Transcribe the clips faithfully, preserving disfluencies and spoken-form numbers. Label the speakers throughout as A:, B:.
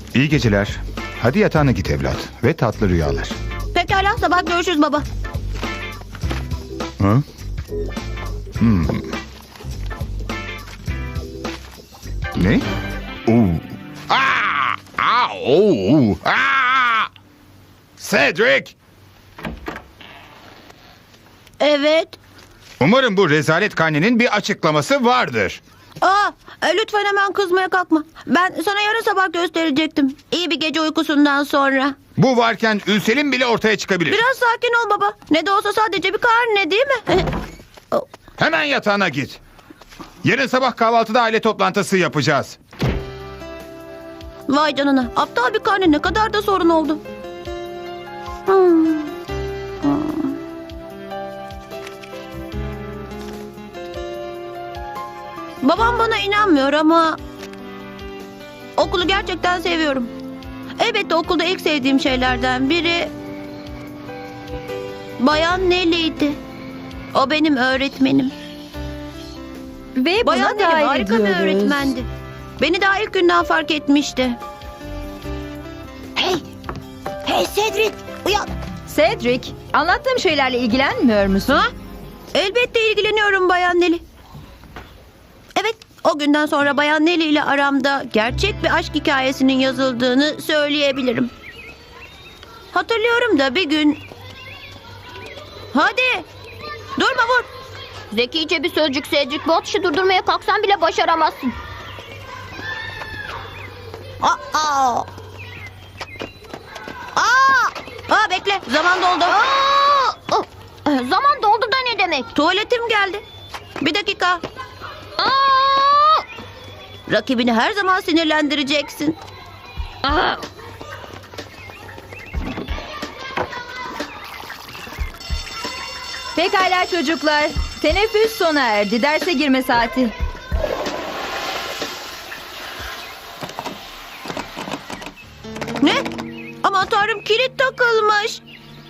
A: İyi geceler. Hadi yatağına git evlat ve tatlı rüyalar.
B: Pekala, sabah görüşürüz baba.
A: Hı? Hmm. Ne? Oo. Aa! Aa! Oo! Aa! Cedric!
B: Evet.
A: Umarım bu rezalet karnenin bir açıklaması vardır.
B: Aa, e, lütfen hemen kızmaya kalkma. Ben sana yarın sabah gösterecektim. İyi bir gece uykusundan sonra.
A: Bu varken ülselim bile ortaya çıkabilir.
B: Biraz sakin ol baba. Ne de olsa sadece bir karne değil mi?
A: Hemen yatağına git. Yarın sabah kahvaltıda aile toplantısı yapacağız.
B: Vay canına. Aptal bir karne ne kadar da sorun oldu. Hmm. Hmm. Babam bana inanmıyor ama okulu gerçekten seviyorum. Elbette okulda ilk sevdiğim şeylerden biri Bayan Nelly'ydi. O benim öğretmenim.
C: Ve
B: Bayan
C: buna
B: Nelly
C: dahil
B: harika bir
C: ediyoruz.
B: öğretmendi. Beni daha ilk günden fark etmişti. Hey! Hey Cedric! Uyan!
C: Cedric, anlattığım şeylerle ilgilenmiyor musun?
B: Ha? Elbette ilgileniyorum Bayan Nelly. Evet, o günden sonra Bayan Nelly ile aramda gerçek bir aşk hikayesinin yazıldığını söyleyebilirim. Hatırlıyorum da bir gün... Hadi! Durma vur!
D: Zekice bir sözcük Cedric. Bu atışı durdurmaya kalksan bile başaramazsın.
B: Aa! Aa! Aa! Aa bekle, zaman doldu.
D: Aa! Oh! Zaman doldu da ne demek?
B: Tuvaletim geldi. Bir dakika.
D: Aa!
B: Rakibini her zaman sinirlendireceksin.
D: Aa!
C: Pekala çocuklar, teneffüs sona erdi. Derse girme saati.
B: Ne? Aman tanrım, kilit takılmış.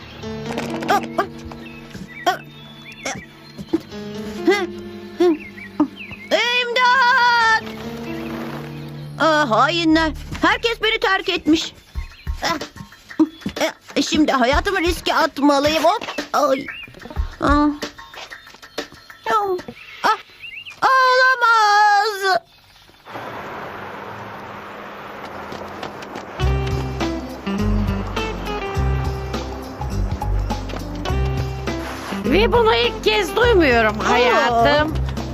B: İmdat! Ah, hainler. Herkes beni terk etmiş. Şimdi hayatımı riske atmalıyım. Hop. Ay. Ah. Ah. Olamaz.
E: Ve bunu ilk kez duymuyorum hayatım.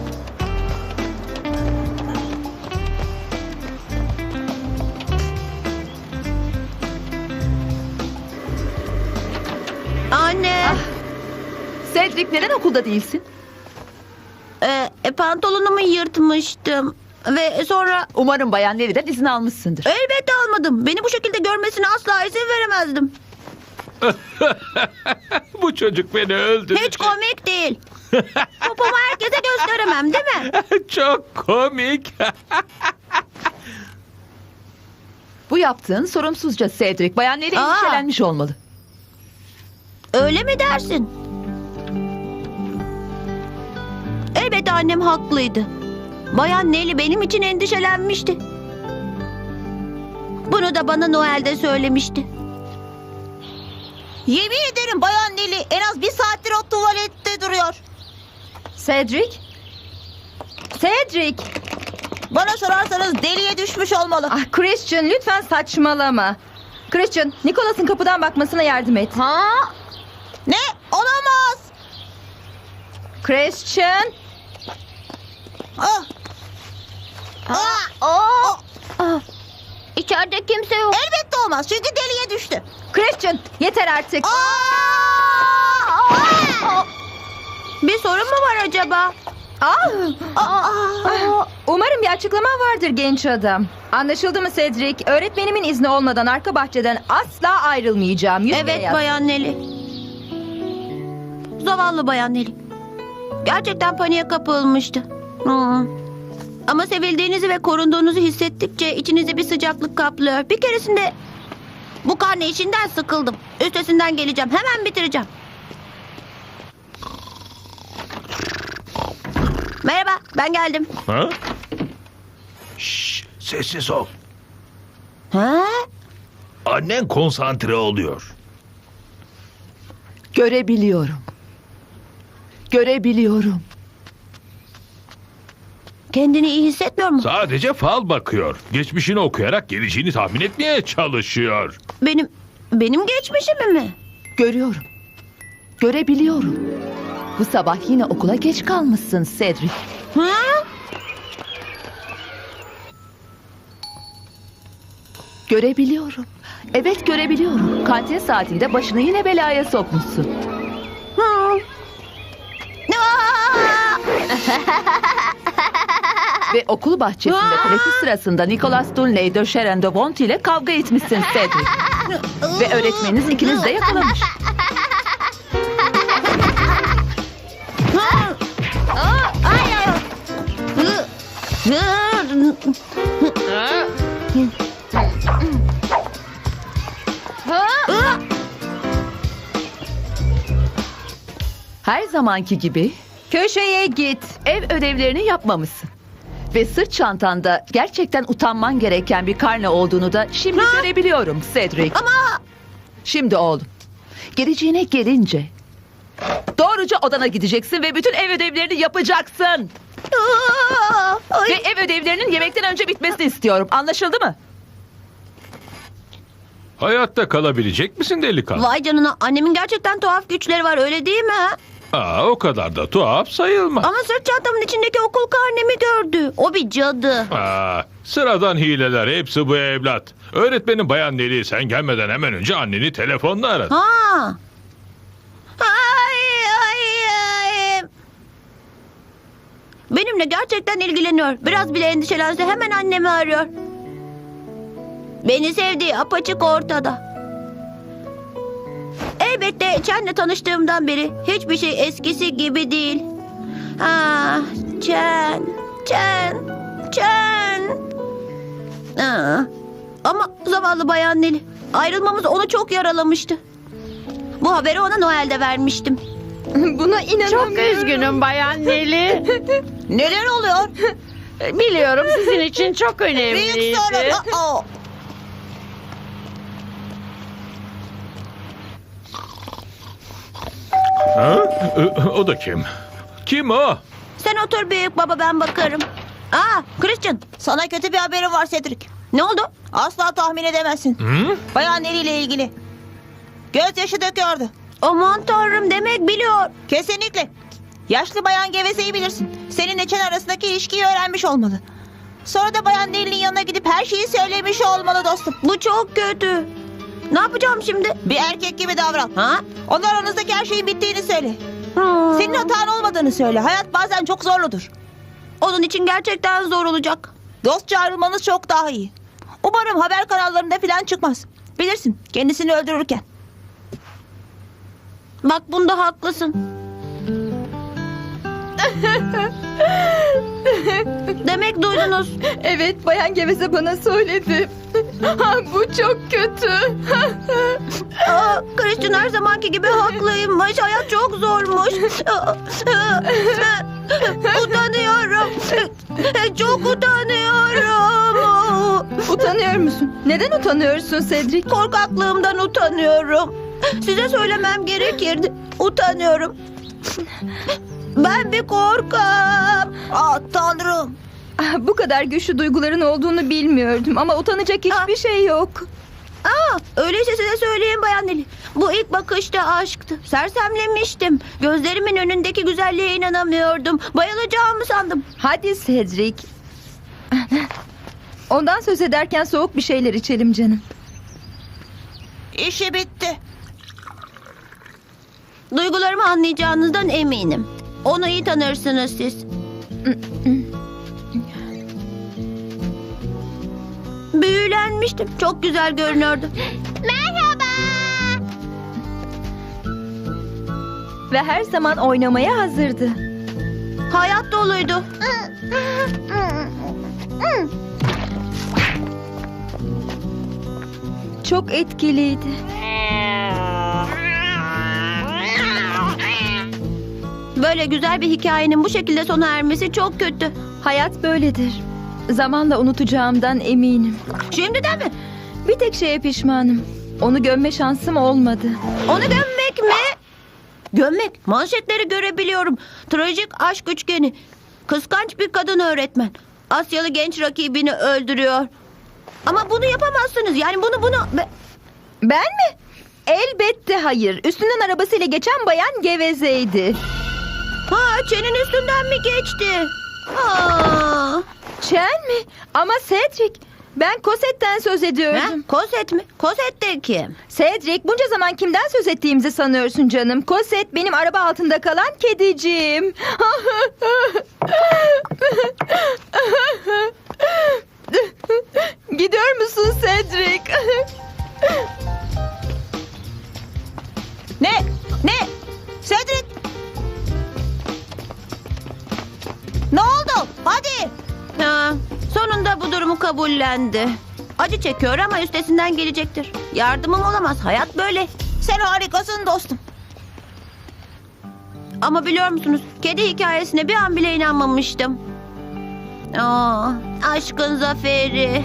B: Anne.
C: Cedric, neden okulda değilsin?
B: E, e, pantolonumu yırtmıştım. Ve sonra
C: Umarım Bayan Nelly'den izin almışsındır.
B: elbette almadım. Beni bu şekilde görmesine asla izin veremezdim.
F: Bu çocuk beni öldürecek.
B: Hiç komik değil. Popomu herkese gösteremem değil mi?
F: Çok komik.
C: Bu yaptığın sorumsuzca Cedric. Bayan Nelly
B: Aa.
C: endişelenmiş olmalı.
B: Öyle mi dersin? Elbette annem haklıydı. Bayan Nelly benim için endişelenmişti. Bunu da bana Noel'de söylemişti. Yemin ederim Bayan Nelly en az bir saattir o tuvalette duruyor.
C: Cedric? Cedric!
B: Bana sorarsanız deliye düşmüş olmalı.
C: Ah Christian, lütfen saçmalama. Christian, Nicholas'ın kapıdan bakmasına yardım et.
D: Ha?
B: Ne? Olamaz.
C: Christian!
B: Ah.
D: Ah! Aa! Ah! İçeride kimse yok.
B: Elbette olmaz çünkü deliye düştü.
C: Christian, yeter artık.
B: Bir sorun mu var acaba?
C: Ah!
D: Aa!
C: Umarım bir açıklama vardır genç adam. Anlaşıldı mı Cedric? Öğretmenimin izni olmadan arka bahçeden asla ayrılmayacağım. Yüzmeye
B: Evet
C: yaz.
B: Bayan Nelly. Zavallı Bayan Nelly. Gerçekten paniğe kapılmıştı. Hmm. Ama sevildiğinizi ve korunduğunuzu hissettikçe içinizi bir sıcaklık kaplıyor. Bir keresinde bu karne işinden sıkıldım. Üstesinden geleceğim. Hemen bitireceğim. Merhaba, ben geldim.
F: Ha? Şşş, sessiz ol.
B: Ha?
G: Annen konsantre oluyor.
H: Görebiliyorum. Görebiliyorum.
B: Kendini iyi hissetmiyor mu?
F: Sadece fal bakıyor. Geçmişini okuyarak geleceğini tahmin etmeye çalışıyor.
B: Benim benim geçmişimi mi?
H: Görüyorum. Görebiliyorum. Bu sabah yine okula geç kalmışsın Cedric.
B: Ha?
H: Görebiliyorum. Evet görebiliyorum. Kantin saatinde başını yine belaya sokmuşsun.
B: Ha. Aa!
H: Ve okul bahçesinde
B: Aa!
H: teneffüs sırasında Nicholas Dunley de Sharon de Bont ile kavga etmişsin Cedric. Ve öğretmeniniz ikiniz de yakalamış.
B: Ay, ay. Hı. Hı. Hı.
H: Her zamanki gibi
C: Köşeye git.
H: ev ödevlerini yapmamışsın. Ve sırt çantanda gerçekten utanman gereken bir karne olduğunu da şimdi görebiliyorum Cedric.
B: Ama
H: Şimdi oğlum, geleceğine gelince doğruca odana gideceksin ve bütün ev ödevlerini yapacaksın.
B: Aa! Ay.
H: Ve ev ödevlerinin yemekten önce bitmesini istiyorum. Anlaşıldı mı?
F: Hayatta kalabilecek misin delikanlı?
B: Vay canına, annemin gerçekten tuhaf güçleri var, öyle değil mi?
F: Aa, o kadar da tuhaf sayılmaz.
B: Ama sırt çantamın içindeki okul karnemi gördü. O bir cadı.
F: Aa, sıradan hileler hepsi bu evlat. Öğretmenin bayan Neli sen gelmeden hemen önce anneni telefonla aradı.
B: Ha. Ay, ay, ay. Benimle gerçekten ilgileniyor. Biraz bile endişelense hemen annemi arıyor. Beni sevdiği apaçık ortada. Elbette Chen'le tanıştığımdan beri hiçbir şey eskisi gibi değil. Ah, Chen, Chen, Chen. Aa, ama zavallı Bayan Neli. Ayrılmamız onu çok yaralamıştı. Bu haberi ona Noel'de vermiştim.
C: Buna inanamıyorum.
E: Çok üzgünüm Bayan Neli.
B: Neler oluyor?
E: Biliyorum sizin için çok önemliydi.
B: Aa.
F: Ha? Ö- O da kim? Kim o?
B: Sen otur büyük baba, ben bakarım. Aa, Christian.
I: Sana kötü bir haberim var Cedric.
B: Ne oldu?
I: Asla tahmin edemezsin.
F: Hı?
I: Bayan Neri ile ilgili. Gözyaşı döküyordu.
B: Aman tanrım, demek biliyor.
I: Kesinlikle. Yaşlı bayan gevezeyi bilirsin. Seninle Chen arasındaki ilişkiyi öğrenmiş olmalı. Sonra da bayan Neri'nin yanına gidip her şeyi söylemiş olmalı dostum.
B: Bu çok kötü. Ne yapacağım şimdi?
I: Bir erkek gibi davran.
B: Ha?
I: Onlar aranızdaki her şeyin bittiğini söyle.
B: Hmm.
I: Senin hatan olmadığını söyle. Hayat bazen çok zorludur.
B: Onun için gerçekten zor olacak.
I: Dostça ayrılmanız çok daha iyi. Umarım haber kanallarında falan çıkmaz. Bilirsin, kendisini öldürürken.
B: Bak, bunda haklısın. Demek duydunuz.
C: Evet, Bayan Geveze bana söyledi. Ha, bu çok kötü.
B: Aa, Christian her zamanki gibi haklıymış. Hayat çok zormuş. Utanıyorum. Çok utanıyorum.
C: Utanıyor musun? Neden utanıyorsun Cedric?
B: Korkaklığımdan utanıyorum. Size söylemem gerekirdi. Utanıyorum. Ben bir korkam.
I: Aa tanrım.
C: Ah, bu kadar güçlü duyguların olduğunu bilmiyordum ama utanacak hiçbir şey yok.
B: Aa, öyleyse size söyleyeyim Bayan Neli. Bu ilk bakışta aşktı. Sersemlemiştim. Gözlerimin önündeki güzelliğe inanamıyordum. Bayılacağımı sandım.
C: Hadi Cedric. Ondan söz ederken soğuk bir şeyler içelim canım.
I: İşi bitti.
B: Duygularımı anlayacağınızdan eminim. Onu iyi tanırsınız siz. Büyülenmiştim. Çok güzel görünüyordu.
D: Merhaba.
C: Ve her zaman oynamaya hazırdı.
B: Hayat doluydu.
C: Çok etkiliydi.
B: Böyle güzel bir hikayenin bu şekilde sona ermesi çok kötü.
C: Hayat böyledir. Zamanla unutacağımdan eminim.
B: Şimdiden mi?
C: Bir tek şeye pişmanım. Onu gömme şansım olmadı.
B: Onu gömmek mi? Gömmek. Manşetleri görebiliyorum. Trajik aşk üçgeni. Kıskanç bir kadın öğretmen. Asyalı genç rakibini öldürüyor. Ama bunu yapamazsınız. Yani bunu bunu... Be-
C: Ben mi? Elbette hayır. Üstünden arabasıyla geçen bayan gevezeydi.
B: Ha, Çen'in üstünden mi geçti? Aa.
C: Çen mi? Ama Cedric. Ben Cosette'den söz
B: Ne?
C: ediyordum.
B: Koset mi? Koset de kim?
C: Cedric, bunca zaman kimden söz ettiğimizi sanıyorsun canım? Cosette benim araba altında kalan kediciğim. Gidiyor musun Cedric?
I: Ne? Ne? Cedric! Ne oldu? Hadi!
B: Ha, sonunda bu durumu kabullendi. Acı çekiyor ama üstesinden gelecektir. Yardımım olamaz. Hayat böyle.
I: Sen harikasın dostum.
B: Ama biliyor musunuz? Kedi hikayesine bir an bile inanmamıştım. Aa, aşkın zaferi.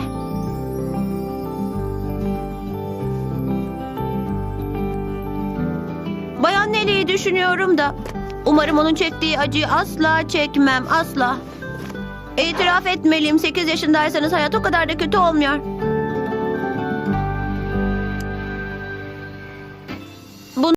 B: Bayan Nelly'yi düşünüyorum da umarım onun çektiği acıyı asla çekmem, asla. İtiraf etmeliyim, sekiz yaşındaysanız hayat o kadar da kötü olmuyor.